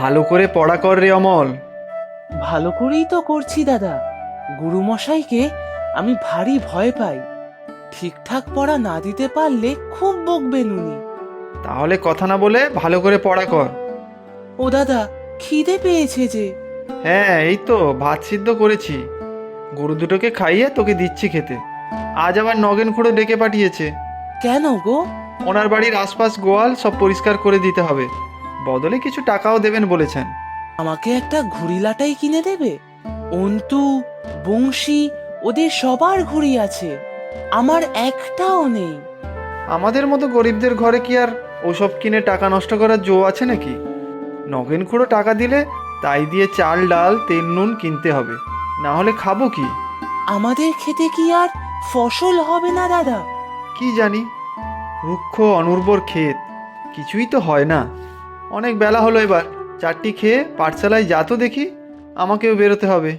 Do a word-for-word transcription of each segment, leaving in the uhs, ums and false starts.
ভালো করে পড়া কর রে অমল। ভালো করেই তো করছি দাদা। গুরুমশাইকে আমি ভারী ভয় পাই। ঠিকঠাক পড়া না দিতে পারলে খুব বকবেন উনি। তাহলে কথা না বলে ভালো করে পড়া কর। ও দাদা, খিদে পেয়েছে যে। হ্যাঁ, এই তো ভাত সিদ্ধ করেছি, গরু দুটোকে খাইয়ে তোকে দিচ্ছি খেতে। আজ আবার নগেন খুঁড়ো ডেকে পাঠিয়েছে। কেন গো? ওনার বাড়ির আশপাশ গোয়াল সব পরিষ্কার করে দিতে হবে, বদলে কিছু টাকাও দেবেন বলেছেন। আমাকে একটা ঘুড়িলাটাই কিনে দেবে? অন্তু, বংশী, ওদের সবার ঘুড়ি আছে, আমার একটাও নেই। আমাদের মতো গরিবদের ঘরে কি আর ওসব কিনে টাকা নষ্ট করার জো আছে নাকি? নগেন খুঁড়ো টাকা দিলে তাই দিয়ে চাল ডাল তেল নুন কিনতে হবে, না হলে খাবো কি? আমাদের খেতে কি আর ফসল হবে না দাদা? কি জানি, রুক্ষ অনুর্বর ক্ষেত, কিছুই তো হয় না। অনেক বেলা হলো, এবার চারটি খেয়ে পাঠশালায় যা তো দেখি, আমাকেও বেরোতে হবে।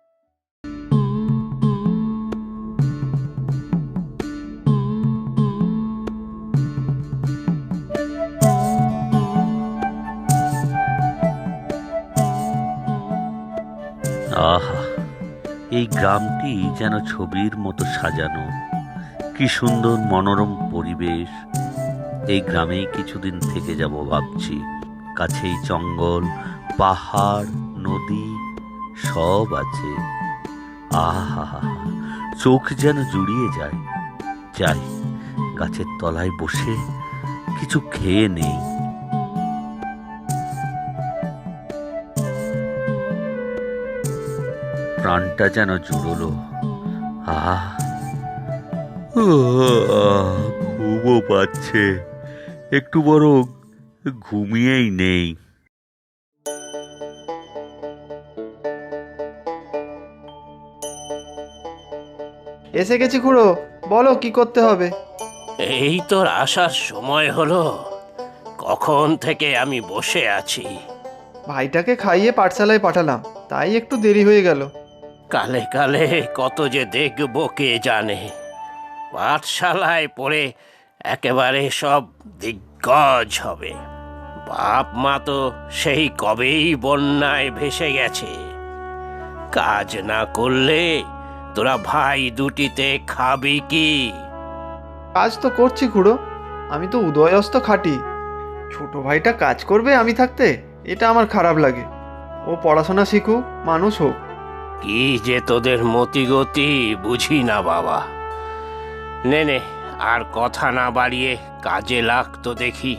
আহা, এই গ্রামটি যেন ছবির মতো সাজানো। কি সুন্দর মনোরম পরিবেশ। এই গ্রামেই কিছুদিন থেকে যাব ভাবছি। কাছেই জঙ্গল, পাহাড়, নদী সব আছে। আহা, চোখ যেন জুড়িয়ে যায়। যাই, গাছের তলায় বসে কিছু খেয়ে নেই। প্রাণটা যেন জুড়লো। আহ ঘুমও পাচ্ছে, একটু বরং ঘুমিয়েই নেই। এসে গেছি খুড়ো, বলো কি করতে হবে। এই তোর আসার সময় হলো। কখন থেকে আমি বসে আছি। ভাইটাকে খাইয়ে পাঠশালায় পাঠালাম, তাই একটু দেরি হয়ে গেল। কালে কালে কত যে দেখবো কে জানে। পাঠশালায় পড়ে একেবারে সব দিগ্গজ হবে। বাপ মা তো সেই কবেই বন্যায় ভেসে গেছে। কাজ না করলে তোরা ভাই দুটিতে খাবি কি? কাজ তো করছি খুড়ো, আমি তো উদয়স্ত খাটি। ছোট ভাইটা কাজ করবে আমি থাকতে, এটা আমার খারাপ লাগে। ও পড়াশোনা শিখুক, মানুষ হোক। কি যে তোদের মতিগতি বুঝি না বাবা। নে নে, আর কথা না বাড়িয়ে কাজে লাগতো দেখি।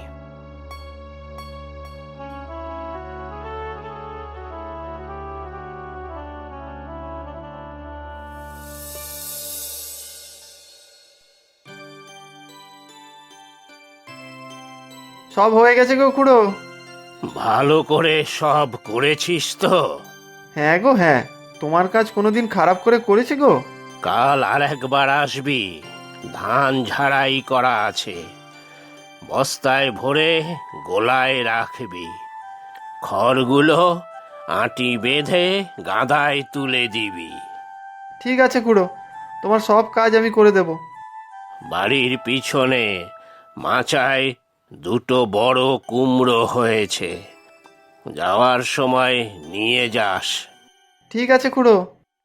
সব হয়ে গেছে গো খুড়ো। ভালো করে সব করেছিস তো? হ্যাঁ গো হ্যাঁ, তোমার কাজ কোনোদিন খারাপ করে করেছে গো? কাল আর একবার আসবি, ধান ঝাড়াই করা আছে। বস্তায় ভরে গোলায় রাখবি। খড়গুলো আঁটি বেঁধে গাদায় তুলে দিবি। ঠিক আছে খুড়ো, তোমার সব কাজ আমি করে দেব। বাড়ির পিছনে মাচায় দুটো বড় কুমড়ো হয়েছে, যাওয়ার সময় নিয়ে যাস। ঠিক আছে খুড়ো।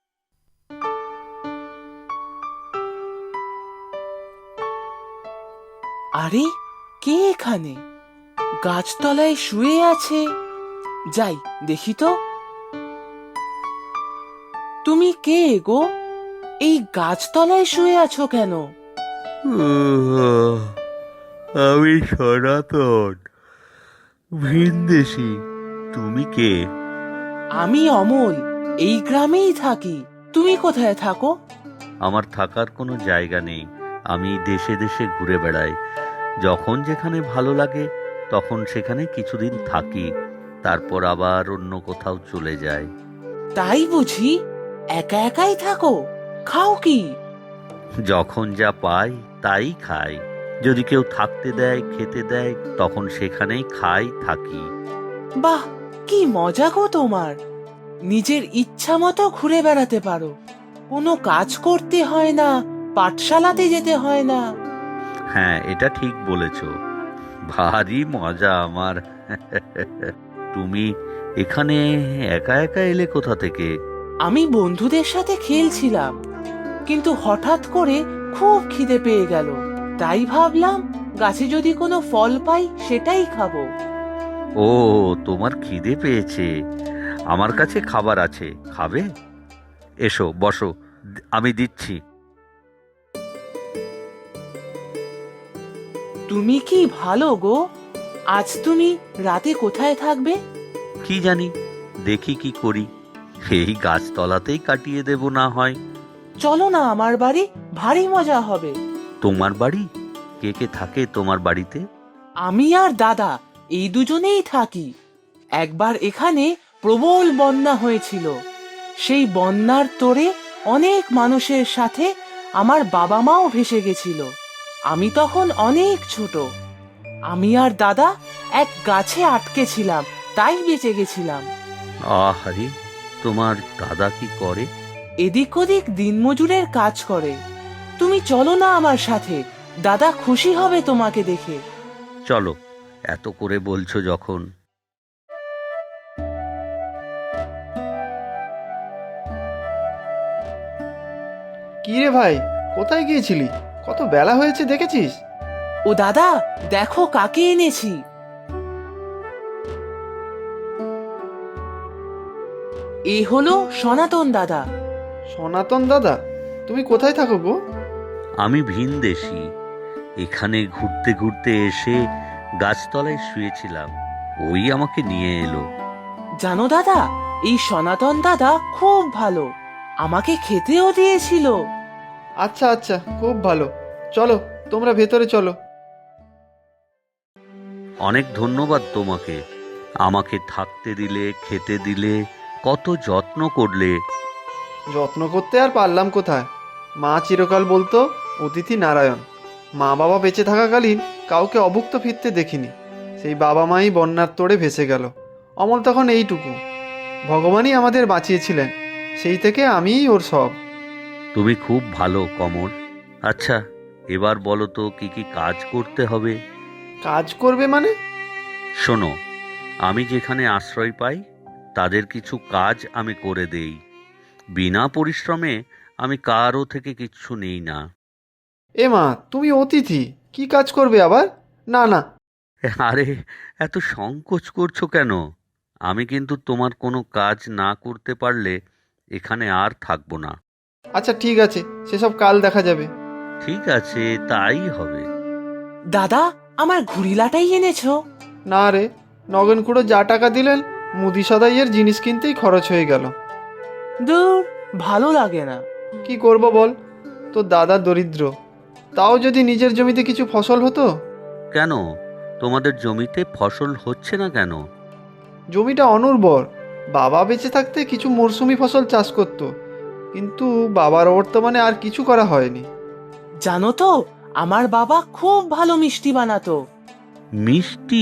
আরে, কে এখানে? গাছতলায় শুয়ে আছে। যাই দেখি তো। তুমি কে গো? এই গাছতলায় শুয়ে আছো কেন? আমি সনাতন, ভিনদেশি। তুমি কে? আমি অমল, এই গ্রামেই থাকি। তুমি কোথায় থাকো? আমার থাকার কোনো জায়গা নেই। আমি দেশে দেশে ঘুরে বেড়াই। যখন যেখানে ভালো লাগে তখন সেখানে কিছুদিন থাকি, তারপর আবার অন্য কোথাও চলে যাই। তাই বুঝি? একা একাই থাকো? খাও কি? যখন যা পাই তাই খাই। যদি কেউ থাকতে দেয়, খেতে দেয়, তখন সেখানেই খাই, থাকি। বাহ, কি মজা গো তোমার! নিজের ইচ্ছা মতো ঘুরে বেড়াতে পারো, কোনো কাজ করতে হয় না, পাঠশালাতে যেতে হয় না। হ্যাঁ, এটা ঠিক বলেছ। ভারী মজা আমার। তুমি এখানে একা একা এলে কোথা থেকে? আমি বন্ধুদের সাথে খেলছিলাম, কিন্তু হঠাৎ করে খুব খিদে পেয়ে গেল। তাই ভাবলাম গাছে যদি কোনো ফল পাই সেটাই খাবো। ও, তোমার খিদে পেয়েছে। আমার কাছে খাবার আছে, খাবে? এসো বসো, আমি দিচ্ছি। তুমি কি ভালো গো। আজ তুমি রাতে কোথায় থাকবে? কি জানি, দেখি কি করি। এই গাছতলাতেই কাটিয়ে দেব না হয়। চলো না আমার বাড়ি, ভারী মজা হবে। তোমার বাড়ি? কে কে থাকে তোমার বাড়িতে? আমি আর দাদা এই দুজনেই থাকি। একবার এখানে প্রবল বন্যা হয়েছিল। সেই বন্যার তোড়ে অনেক মানুষের সাথে আমার বাবা মাও ভেসে গেছিল। আমি তখন অনেক ছোট। আমি আর দাদা এক গাছে আটকে ছিলাম, তাই বেঁচে গেছিলাম। আহারে, তোমার দাদা কি করে? এদিক ওদিক দিনমজুরের কাজ করে। তুমি চলো না আমার সাথে, দাদা খুশি হবে তোমাকে দেখে। চলো, এত করে বলছো যখন। কি রে ভাই, কোথায় গিয়েছিলি? কত বেলা হয়েছে দেখেছিস? ও দাদা, দেখো কাকে এনেছি। এ হলো সনাতন দাদা। সনাতন দাদা, তুমি কোথায় থাকো গো? আমি ভিনদেশী। এখানে ঘুরতে ঘুরতে এসে গাছতলায় শুয়েছিলাম, ওই আমাকে নিয়ে এলো। জানো দাদা, এই সনাতন দাদা খুব ভালো, আমাকে খেতেও দিয়েছিল। আচ্ছা আচ্ছা, খুব ভালো। চলো, তোমরা ভেতরে চলো। অনেক ধন্যবাদ তোমাকে। আমাকে থাকতে দিলে, খেতে দিলে, কত যত্ন করলে। যত্ন করতে আর পারলাম কোথায়? মা চিরকাল বলতো অতিথি নারায়ণ। মা বাবা বেঁচে থাকাকালীন কাউকে অভুক্ত ফিরতে দেখিনি। সেই বাবা মাই বন্যার তোড়ে ভেসে গেল। অমল তখন এইটুকু। ভগবানই আমাদের বাঁচিয়েছিলেন, সেই থেকে আমিই ওর সব। তুমি খুব ভালো কমল। আচ্ছা, এবার বলো তো কি কি কাজ করতে হবে? কাজ করবে মানে? শোনো, আমি যেখানে আশ্রয় পাই তাদের কিছু কাজ আমি করে দেই। বিনা পরিশ্রমে আমি কারও থেকে কিচ্ছু নেই না। এ মা, তুমি অতিথি, কি কাজ করবে আবার? না না। আরে, এত সংকোচ করছো কেন? আমি কিন্তু তোমার কোনো কাজ না করতে পারলে এখানে আর থাকবো না। আচ্ছা ঠিক আছে, সেসব কাল দেখা যাবে। ঠিক আছে, তাই হবে। দাদা, আমার ঘুড়িলাটাই এনেছো? না রে, নগেন খুড়ো যা টাকা দিলেন মুদি সদাইয়ের জিনিস কিনতেই খরচ হয়ে গেল। দূর, ভালো লাগে না। কি করব বল, তো দাদা দরিদ্র। তাও যদি নিজের জমিতে কিছু ফসল হতো। কেন, তোমাদের জমিতে ফসল হচ্ছে না কেন? জমিটা অনুর্বর। বাবা বেঁচে থাকতে কিছু মরশুমি ফসল চাষ করত, কিন্তু বাবার বর্তমানে আর কিছু করা হয়নি। জানো তো, আমার বাবা খুব ভালো মিষ্টি বানাতো। মিষ্টি?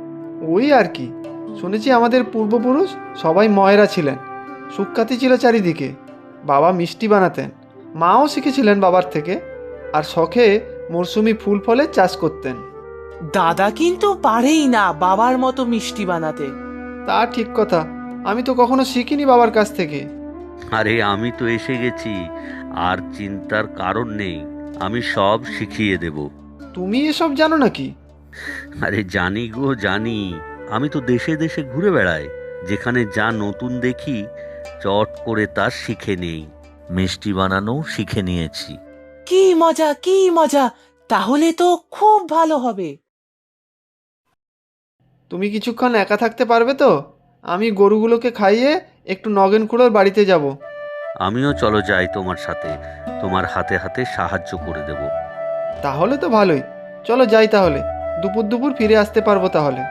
ওই আর কি, শুনেছি আমাদের পূর্বপুরুষ সবাই ময়রা ছিলেন, সুখ্যাতি ছিল চারিদিকে। বাবা মিষ্টি বানাতেন, মাও শিখেছিলেন বাবার থেকে, আর শখে মরশুমি ফুল ফলের চাষ করতেন। দাদা কিন্তু পারেই না বাবার মতো মিষ্টি বানাতে। তা ঠিক কথা, আমি তো কখনো শিখিনি বাবার কাছ থেকে। আরে, আমি তো এসে গেছি, আর চিন্তার কারণ নেই। আমি সব শিখিয়ে দেব। তুমি এসব জানো নাকি? আরে জানি গো, জানি। আমি তো দেশে দেশে ঘুরে বেড়াই, যেখানে যা নতুন দেখি চট করে তা শিখে নেই। মিষ্টি বানানো শিখে নিয়েছি। কি মজা, কি মজা! তাহলে তো খুব ভালো হবে। তুমি কিছুক্ষণ একা থাকতে পারবে তো? আমি গরুগুলোকে খাইয়ে একটু নগেন খুড়োর বাড়িতে যাব। আমিও চলো যাই তোমার সাথে, তোমার হাতে হাতে সাহায্য করে দেব। তাহলে তো ভালোই, চলো যাই তাহলে। দুপুর দুপুর ফিরে আসতে পারবো তাহলে।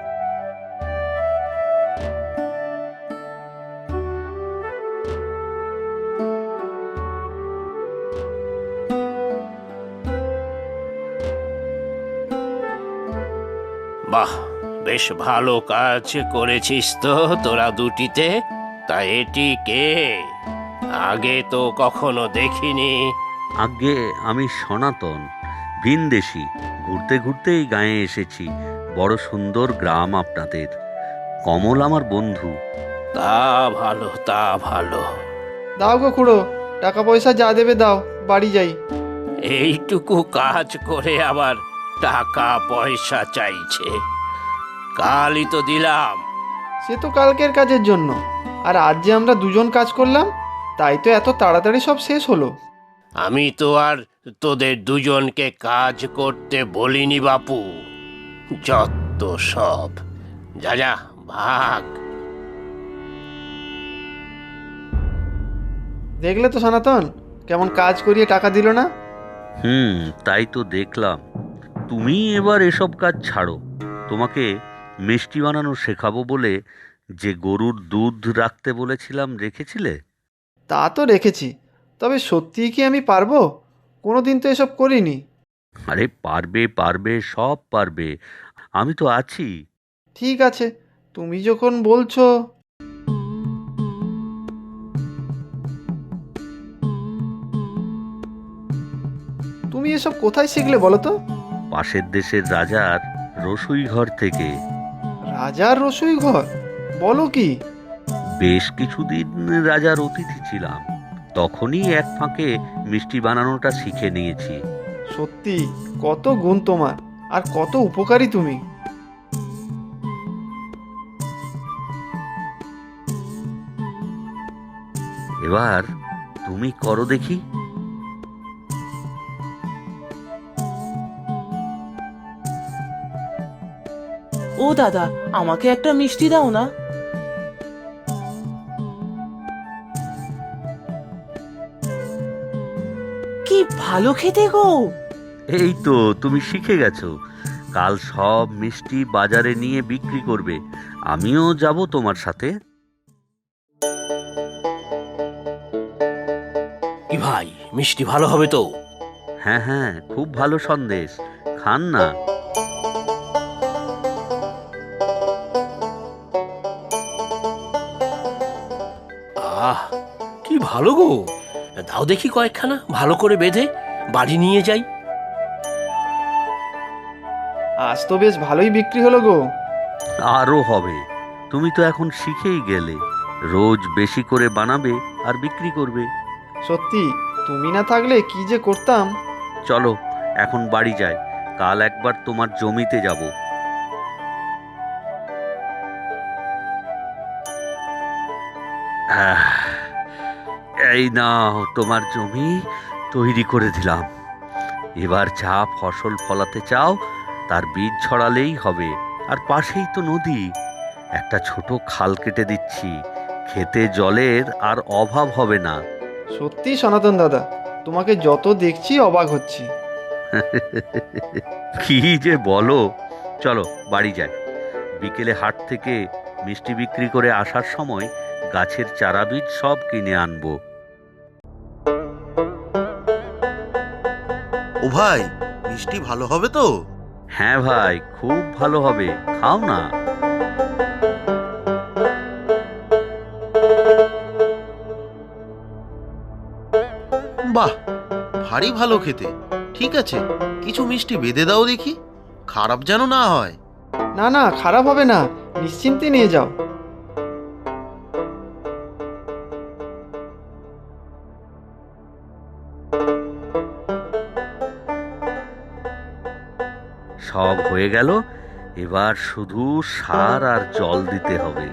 বাহ, বেশ ভালো কাজ করেছিস তো তোরা দুটিতে। তা এটি কে? আগে তো কখনো দেখিনি। আগে আমি সনাতন, ভিনদেশী। ঘুরতে ঘুরতে এই গাঁয়ে এসেছি। বড় সুন্দর গ্রাম আপনাদের। কমল আমার বন্ধু। তা ভালো, তা ভালো। দাও গো খুড়ো, টাকা পয়সা যা দেবে দাও, বাড়ি যাই। এইটুকু কাজ করে আবার টাকা পয়সা চাইছে? কালই তো দিলাম। সে তো কালকের কাজের জন্য, আর আজ যে আমরা দুজন কাজ করলাম, তাই তো এত তাড়াতাড়ি সব শেষ হলো। আমি তো আর তোদের দুজনকে কাজ করতে বলিনি বাপু। যত সব। যা যা, ভাগ। দেখলে তো সনাতন, কেমন কাজ করিয়ে টাকা দিল না? হুম, তাই তো দেখলাম। তুমি এবার এসব কাজ ছাড়ো। তোমাকে মিষ্টি বানানো শেখাবো বলে যে গরুর দুধ রাখতে বলেছিলাম, রেখেছিলে? তা তো রেখেছি, তবে সত্যিই কি আমি পারবো? কোনো দিন তো এসব করিনি। আরে পারবে পারবে, সব পারবে। আমি তো আছি। ঠিক আছে, তুমি যখন বলছো। তুমি এসব কোথায় শিখলে বলো তো? পাশের দেশের রাজার রসুই ঘর থেকে। রাজার রসুই ঘর? বলো কি? বেশ কিছুদিন রাজার অতিথি ছিলাম, তখনই এক ফাঁকে মিষ্টি বানানোটা শিখে নিয়েছি। সত্যি কত গুণ তোমার, আর কত উপকারী তুমি। এবার তুমি করো দেখি। ও দাদা, আমাকে একটা মিষ্টি দাও না। কি ভালো খেতে গো! এই তো তুমি শিখে গেছো। কাল সব মিষ্টি বাজারে নিয়ে বিক্রি করবে। আমিও যাব তোমার সাথে। কি ভাই, মিষ্টি ভালো হবে তো? হ্যাঁ হ্যাঁ, খুব ভালো সন্দেশ, খান না। আহ, কি ভালো গো। দাও দেখি কয়েকখানা, ভালো করে বেঁধে বাড়ি নিয়ে যাই। আজ তো বেশ ভালোই বিক্রি হলো গো। আরও হবে। তুমি তো এখন শিখেই গেলে। রোজ বেশি করে বানাবে আর বিক্রি করবে। সত্যি, তুমি না থাকলে কি যে করতাম। চলো এখন বাড়ি যাই, কাল একবার তোমার জমিতে যাব। আহ, এই নাও তোমার জমি তৈরি করে দিলাম। এবার যা ফসল ফলাতে চাও তার বীজ ছড়ালেই হবে। আর পাশেই তো নদী, একটা ছোট খাল কেটে দিচ্ছি। খেতে জলের আর অভাব হবে না। সত্যি সনাতন দাদা, তোমাকে যত দেখছি অবাক হচ্ছি। কি যে বলো। চলো বাড়ি যাই। বিকেলে হাট থেকে মিষ্টি বিক্রি করে আসার সময় গাছের চারা বীজ সব কিনে আনবো। ও ভাই, মিষ্টি ভালো হবে তো? হ্যাঁ ভাই, খুব ভালো হবে, খাও না। বাহ, ভারী ভালো খেতে। ঠিক আছে, কিছু মিষ্টি বেঁধে দাও দেখি, খারাপ যেন না হয়। না না, খারাপ হবে না, নিশ্চিন্তে নিয়ে যাও। সব হয়ে গেল। এবার শুধু সার আর জল দিতে হবে।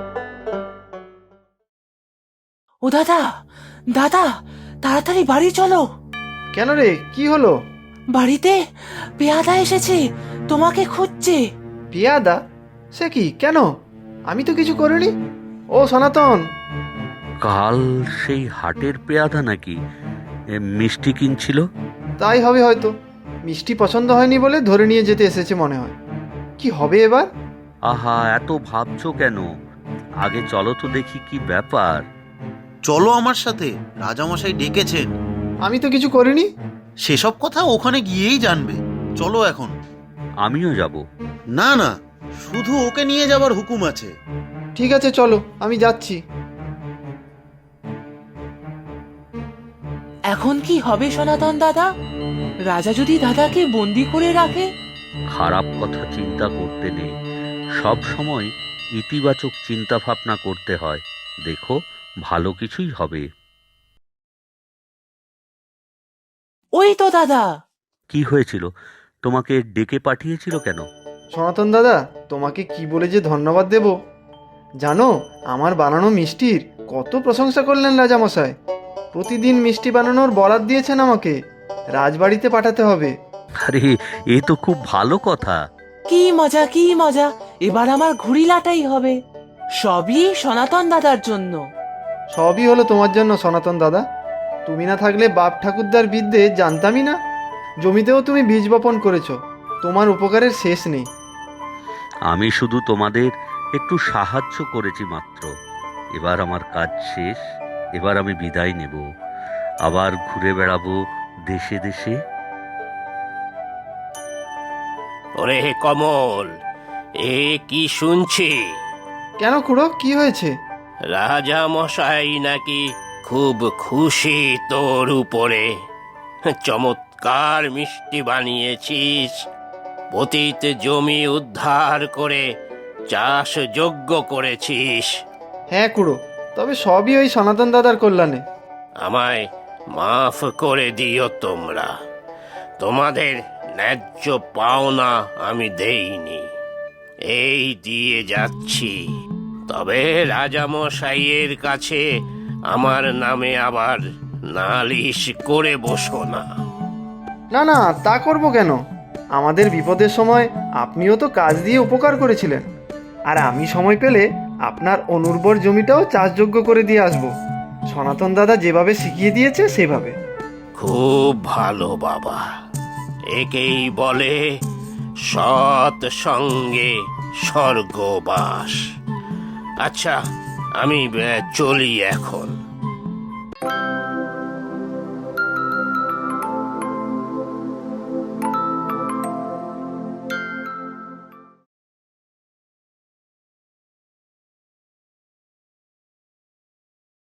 ও দাদা, দাদা, তাড়াতাড়ি বাড়ি চলো। কেন রে, কি হলো? বাড়িতে পেয়াদা এসেছে, তোমাকে খুঁজছে। পিয়াদা? সে কি, কেন? আমি তো কিছু করিনি। ও সনাতন, কাল সেই হাটের পেয়াদা নাকি এ, মিষ্টি কিনছিল? তাই হবে হয়তো। মিষ্টি পছন্দ হয়নি বলে ধরে নিয়ে যেতে এসেছে মনে হয়। কি হবে এবার? আহা, এত ভাবছো কেন? আগে চলো তো দেখি কি ব্যাপার। চলো আমার সাথে, রাজামশাই ডেকেছেন। আমি তো কিছু করিনি। সেসব কথা ওখানে গিয়েই জানবে। চলো এখন। আমিও যাব। না না, শুধু ওকে নিয়ে যাবার হুকুম আছে। ঠিক আছে চলো, আমি যাচ্ছি। এখন কি হবে সনাতন দাদা? রাজা যদি দাদাকে বন্দি করে রাখে? খারাপ কথা চিন্তা করতে নেই। সব সময় ইতিবাচক চিন্তা ভাবনা করতে হয়। দেখো, ভালো কিছুই হবে। ওই তো দাদা। কি হয়েছিল? তোমাকে ডেকে পাঠিয়েছিল কেন? সনাতন দাদা, তোমাকে কি বলে যে ধন্যবাদ দেব। জানো, আমার বানানো মিষ্টির কত প্রশংসা করলেন রাজামশাই। প্রতিদিন মিষ্টি বানানোর বরাত দিয়েছেন আমাকে, রাজবাড়িতে পাঠাতে হবে। আরে, এ তো খুব ভালো কথা। কি মজা কি মজা, এবার আমার ঘুড়ি লাটাই হবে। সবই সনাতন দাদার জন্য। সবই হলো তোমার জন্য সনাতন দাদা। তুমি না থাকলে বাপ ঠাকুরদার বিদ্যে জানতামই না। জমিতেও তুমি বীজ বপন করেছো, তোমার উপকারের শেষ নেই। আমি শুধু তোমাদের একটু সাহায্য করেছি মাত্র। এবার আমার কাজ শেষ। এবার আমি বিদায় নেব, আবার ঘুরে বেড়াবো দেশে দেশে। ওরে কমল, এ কি শুনছি? কেন খুড়ো, কি হয়েছে? রাজা মশাই নাকি খুব খুশি তোর উপরে। চমৎকার মিষ্টি বানিয়েছিস, পতিত জমি উদ্ধার করে চাষযোগ্য করেছিস। হ্যাঁ খুড়ো, তবে সবই ওই সনাতন দাদার কল্যাণে। আমায় মাফ করে দিও তোমরা। তোমাদের ন্যায্য পাওনা আমি দেইনি, এই দিয়ে যাচ্ছি। তবে রাজামশাইয়ের কাছে আমার নামে আবার নালিশ করে বসো না। না না, তা করব কেন? আমাদের বিপদের সময় আপনিও তো কাজ দিয়ে উপকার করেছিলেন। আর আমি সময় পেলে আপনার অনুর্বর জমিটাও চাষযোগ্য করে দিয়ে আসব, সনাতন দাদা যেভাবে শিখিয়ে দিয়েছে সেভাবে। খুব ভালো বাবা, একেই বলে সৎ সঙ্গে স্বর্গবাস। আচ্ছা, আমি আহ, চলি এখন।